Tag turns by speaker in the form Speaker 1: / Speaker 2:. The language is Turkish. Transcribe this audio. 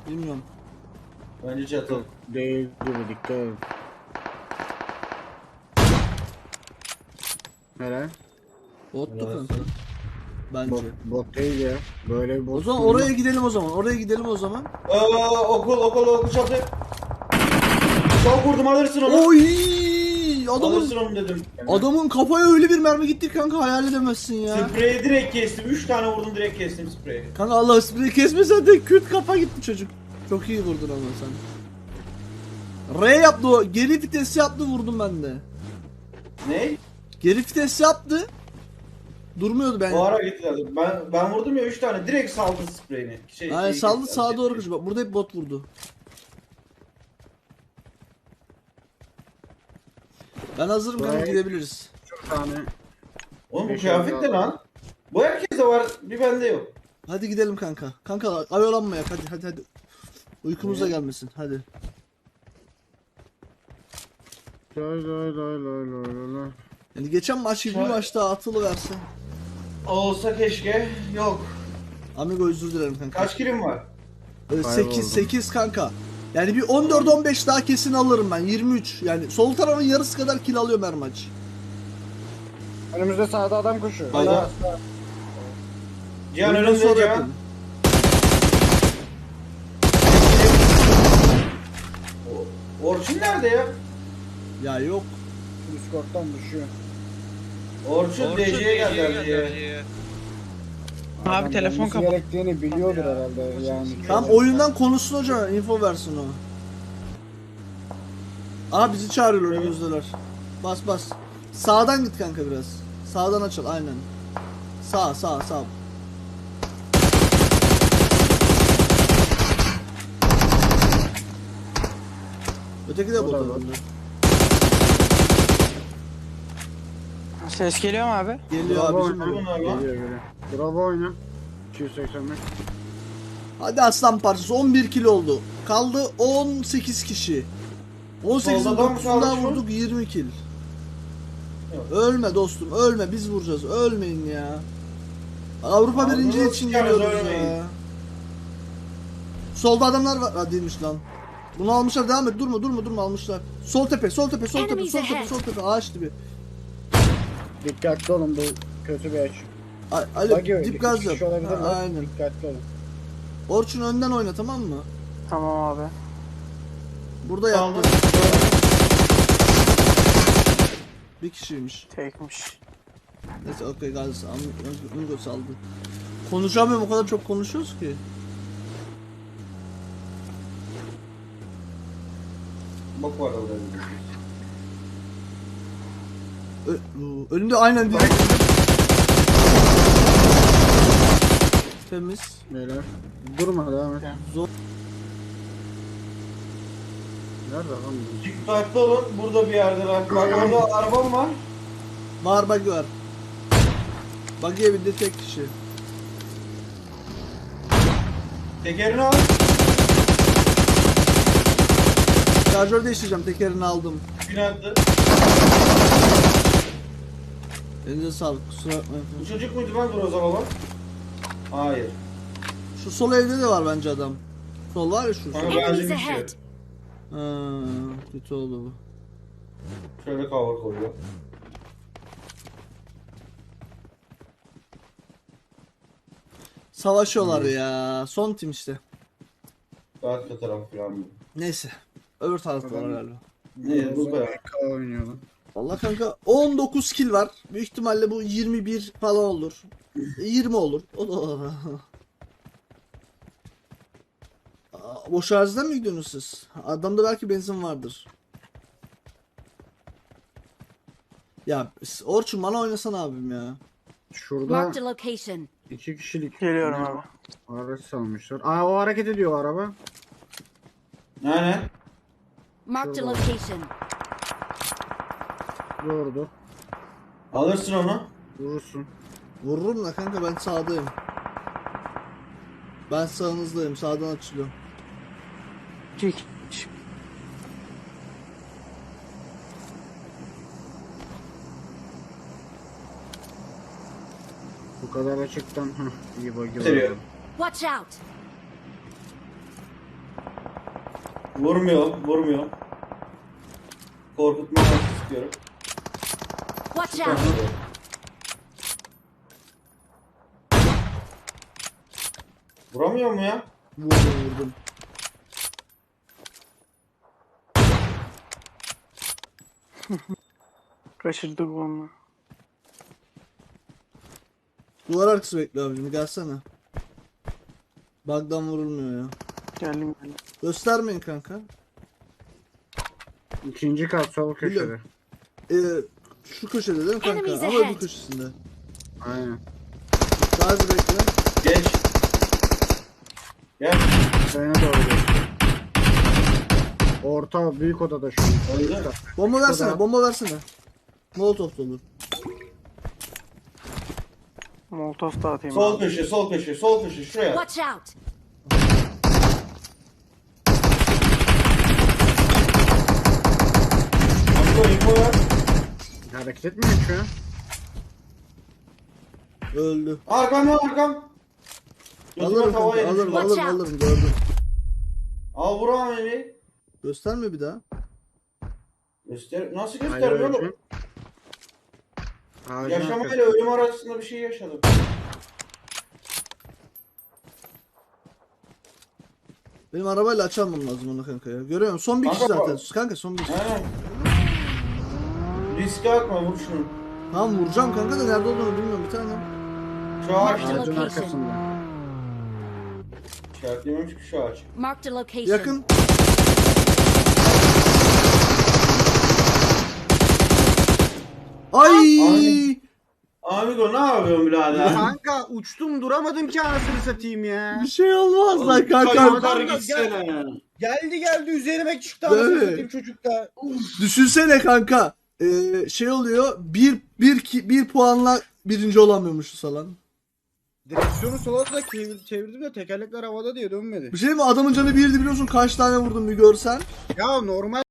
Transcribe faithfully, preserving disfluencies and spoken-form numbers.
Speaker 1: Bilmiyorum.
Speaker 2: Bence çatı.
Speaker 3: Değil gibi, dikkat et. Nere?
Speaker 1: Bottu
Speaker 2: Burası.
Speaker 1: kanka. Bence.
Speaker 3: Bot, bot değil ya. Böyle bir bot.
Speaker 1: O zaman
Speaker 3: değil
Speaker 1: oraya
Speaker 3: mi?
Speaker 1: gidelim o zaman. Oraya gidelim o zaman.
Speaker 2: Aa, okul okul okul çatı. Çok vurdum, alırsın onu.
Speaker 1: Oy! Adamın
Speaker 2: Alırsın onu dedim.
Speaker 1: adamın kafaya öyle bir mermi gitti kanka, hayal edemezsin ya.
Speaker 2: Spreyi direkt kestim. üç tane vurdum, direkt kestim spreyi.
Speaker 1: Kanka Allah spreyi kesmesen de küt kafa gitti çocuk. Çok iyi vurdun ama sen. R yaptı o. Geri vites yaptı, vurdum ben de.
Speaker 2: Ne?
Speaker 1: Geri vites yaptı. Durmuyordu ben.
Speaker 2: O ara gitti zaten. Ben, ben vurdum ya üç tane. Direkt saldı spreyini. Şey,
Speaker 1: Aynen
Speaker 2: şey
Speaker 1: saldı
Speaker 2: kesti,
Speaker 1: sağa
Speaker 2: şey
Speaker 1: doğru
Speaker 2: kesti.
Speaker 1: koşuyor. Bak burada hep bot vurdu. Ben hazırım kanka,
Speaker 3: Buraya-
Speaker 1: gidebiliriz.
Speaker 3: Çok tane.
Speaker 2: Oğlum bu
Speaker 3: Beş
Speaker 2: kıyafet
Speaker 3: elli
Speaker 2: de lan. Bu herkeste var. Bir bende yok.
Speaker 1: Hadi gidelim kanka. Kanka ayolanmayak, hadi hadi hadi. Uykumuz da gelmesin, hadi.
Speaker 3: Lay lay lay lay lay lay lay.
Speaker 1: Yani geçen maç gibi bir
Speaker 2: Şöyle-
Speaker 1: maç daha atılı verse.
Speaker 2: Olsa keşke. Yok.
Speaker 1: Amigo özür dilerim kanka.
Speaker 2: Kaç kilim var?
Speaker 1: sekiz
Speaker 3: Kayboldum.
Speaker 1: sekiz kanka. Yani bir on dört on beş daha kesin alırım ben. yirmi üç. Yani sol tarafın yarısı kadar kill alıyorum her maç.
Speaker 3: Önümüzde sağda adam koşuyor.
Speaker 2: Sağda.
Speaker 3: Sağ, sağ.
Speaker 2: Cihan
Speaker 1: Oyundan
Speaker 2: önünde
Speaker 1: sonra
Speaker 2: Cihan.
Speaker 1: yapın.
Speaker 2: O- Orçun nerede ya?
Speaker 1: Ya yok.
Speaker 3: Discord'dan düşüyor.
Speaker 2: Orçun D C'ye geldi D C'ye.
Speaker 4: Abi
Speaker 3: Adam
Speaker 4: telefon
Speaker 3: gelmesi
Speaker 4: kapat.
Speaker 3: gerektiğini biliyordur herhalde yani.
Speaker 1: Tam oyundan konuşsun hocam. Info versin o. Aa bizi çağırıyorlar, önümüzdeler. Bas bas. Sağdan git kanka biraz. Sağdan açıl aynen. Sağ sağ sağ. Öteki de
Speaker 3: O da
Speaker 1: burada.
Speaker 3: var.
Speaker 4: Ses geliyor mu abi?
Speaker 1: Geliyor
Speaker 3: Bravo
Speaker 1: abicim.
Speaker 3: oyna.
Speaker 2: bunlar lan.
Speaker 3: Geliyor geliyor. Bravo oyna. iki yüz seksen beş.
Speaker 1: Hadi aslan parçası, on bir kilo oldu. Kaldı on sekiz kişi. on sekizin
Speaker 2: Solda da mı
Speaker 1: dokuzundan
Speaker 2: kaldı şu?
Speaker 1: vurduk, yirmi kill.
Speaker 2: Yok.
Speaker 1: Ölme dostum, ölme, biz vuracağız. Ölmeyin ya. Avrupa
Speaker 2: Abi
Speaker 1: birinciliği
Speaker 2: nasıl
Speaker 1: için
Speaker 2: çıkarız,
Speaker 1: geliyoruz
Speaker 2: ölmeyin.
Speaker 1: ya. Solda adamlar var. Ha değilmiş lan. Bunu almışlar, devam et. Durma durma durma, almışlar. Sol tepe, sol tepe, sol tepe,
Speaker 5: Enemies
Speaker 1: sol tepe,
Speaker 5: ahead.
Speaker 1: sol tepe. Ağaç dibi.
Speaker 3: Dikkatli olun, bu kötü bir aç.
Speaker 1: A-
Speaker 3: Bak
Speaker 1: Ali
Speaker 3: yok,
Speaker 1: dip
Speaker 3: iki
Speaker 1: gaz
Speaker 3: kişi
Speaker 1: yap.
Speaker 3: olabilir
Speaker 1: Ha,
Speaker 3: lan.
Speaker 1: aynen.
Speaker 3: Dikkatli olun.
Speaker 1: Orçun önden oyna, tamam mı?
Speaker 4: Tamam abi.
Speaker 1: Burada
Speaker 2: Saldı.
Speaker 1: yaptı. Bir kişiymiş.
Speaker 4: Tekmiş.
Speaker 1: Neyse okey gaz. Am- Amigo saldı. Konuşamıyorum, o kadar çok konuşuyoruz ki.
Speaker 2: Bak var orada.
Speaker 1: Ö- önünde aynen direkt. Temiz.
Speaker 3: Beyler. Durma, devam et.
Speaker 1: Zor.
Speaker 3: Nerede lan bu?
Speaker 2: Dikkatli olun. Burada bir yerdeler. Bak orada arabam var.
Speaker 1: Var buggy var. Buggy'ye bindi tek kişi.
Speaker 2: Tekerini al.
Speaker 1: Şarjör değiştireceğim, tekerini aldım.
Speaker 2: Bin attı.
Speaker 1: Elinize sağlık, kusura bakmayın.
Speaker 2: Bu çocuk muydu lan Groza baba? Hayır.
Speaker 1: Şu sol evde de var bence adam. Sol var ya şu.
Speaker 2: Kanka
Speaker 1: sol.
Speaker 2: bence
Speaker 5: Enemies
Speaker 2: bir şey.
Speaker 5: ahead.
Speaker 1: Ha, kötü oldu bu.
Speaker 2: Şöyle cover koyuyor.
Speaker 1: Savaşıyorlar ya. Son tim işte.
Speaker 2: Arka taraf falan.
Speaker 1: Neyse. Öbür tarafta var
Speaker 3: Adam-
Speaker 1: galiba.
Speaker 2: Ne bu kadar.
Speaker 3: K oynuyor lan.
Speaker 1: Vallahi kanka on dokuz kill var. Büyük ihtimalle bu yirmi bir falan olur. yirmi olur. O da Aa, boş araziden mi gidiyorsunuz siz? Adamda belki benzin vardır. Ya Orçun bana oynasana abim ya.
Speaker 3: Şurada
Speaker 5: Marked a location.
Speaker 3: iki kişilik
Speaker 4: Geliyorum abi.
Speaker 3: araç salmışlar. Aa, o hareket ediyor o araba.
Speaker 2: Aynen.
Speaker 5: Marked a
Speaker 3: Şurada.
Speaker 5: location.
Speaker 3: Doğrudur.
Speaker 2: Alırsın onu.
Speaker 3: Vurursun.
Speaker 1: Vururum da kanka, ben sağdayım. Ben sağınızdayım. Sağdan açılıyorum.
Speaker 4: Kik.
Speaker 3: Bu kadar açıktan. Heh, iyi bagi var.
Speaker 2: Bitiriyor.
Speaker 5: Watch out.
Speaker 2: Vurmuyor, vurmuyor. Korkutma amaçlı sıkıyorum.
Speaker 5: Watch
Speaker 2: Süper.
Speaker 5: out!
Speaker 2: Vuramıyor mu ya?
Speaker 1: Vurdum vurdum.
Speaker 4: Kaçırdık onu.
Speaker 1: Duvar arkası bekle abicim gelsene. Bug'dan vurulmuyor ya.
Speaker 4: Geldim geldim.
Speaker 1: Göstermeyin kanka.
Speaker 3: İkinci kat sol köşede.
Speaker 1: Biliyorum. Ee, şu köşede değil mi kanka?
Speaker 5: Enemies
Speaker 1: Ama
Speaker 5: ahead.
Speaker 1: öbür köşesinde.
Speaker 3: Aynen.
Speaker 1: Daha bir bekle.
Speaker 2: Geç. Gel.
Speaker 3: Sayına doğru geçti. Orta büyük odada şu an.
Speaker 2: Öldü.
Speaker 1: Bomba versene,
Speaker 3: Şurada.
Speaker 1: bomba versene. Molotov da olur.
Speaker 4: Molotov da atayım
Speaker 2: Sol
Speaker 4: abi.
Speaker 2: köşe, sol köşe, sol köşe. Şuraya.
Speaker 5: Watch out!
Speaker 2: Amigo info ver.
Speaker 3: Hareket etmiyor şu an.
Speaker 1: Öldü.
Speaker 2: Arkam lan arkam. Gözüme
Speaker 1: Alırım
Speaker 2: tava
Speaker 1: kanka,
Speaker 2: yedim
Speaker 1: alırım,
Speaker 2: şurada.
Speaker 1: alırım,
Speaker 5: Watch out.
Speaker 1: alırım, gördüm.
Speaker 2: Al vur ameli.
Speaker 1: Gösterme bir daha.
Speaker 2: Göster. Nasıl
Speaker 3: Hayır,
Speaker 2: göstermiyor oğlum?
Speaker 3: ölçün. Ağacın
Speaker 2: Yaşamayla
Speaker 3: arkası.
Speaker 2: ölüm arasında bir şey yaşadım.
Speaker 1: Benim arabayla açamam lazım onu kanka ya. Görüyor musun? Son bir kişi
Speaker 2: Kanka,
Speaker 1: zaten.
Speaker 2: bu-
Speaker 1: Kanka son bir kişi.
Speaker 2: He. Riske atma vur şunu.
Speaker 1: Tamam vuracağım kanka da nerede olduğunu bilmiyorum bir tane.
Speaker 2: Şu ağaç.
Speaker 5: Marked a
Speaker 3: Ağacın
Speaker 5: location.
Speaker 3: arkasında.
Speaker 2: İşaretlememiş ki şu ağaç.
Speaker 5: Marked a location.
Speaker 1: Yakın. Ay!
Speaker 2: Ay. Amigo ne yapıyorsun birader?
Speaker 3: Kanka uçtum duramadım ki anasını satayım ya.
Speaker 1: Bir şey olmaz lan
Speaker 2: Yukarı
Speaker 1: kanka.
Speaker 2: yukarı gitsene ya.
Speaker 3: Geldi geldi üzerime çıktı
Speaker 1: Değil
Speaker 3: anasını
Speaker 1: mi?
Speaker 3: satayım çocuk da.
Speaker 1: Düşünsene kanka. Ee, şey oluyor. Bir, bir, ki- bir puanla birinci olamıyormuşuz falan.
Speaker 3: Direksiyonu sola da çevir, çevirdim de tekerlekler havada diye dönmedi.
Speaker 1: Bir şey mi? Adamın canı birdi biliyorsun. Kaç tane vurdum bir görsen.
Speaker 3: Ya normal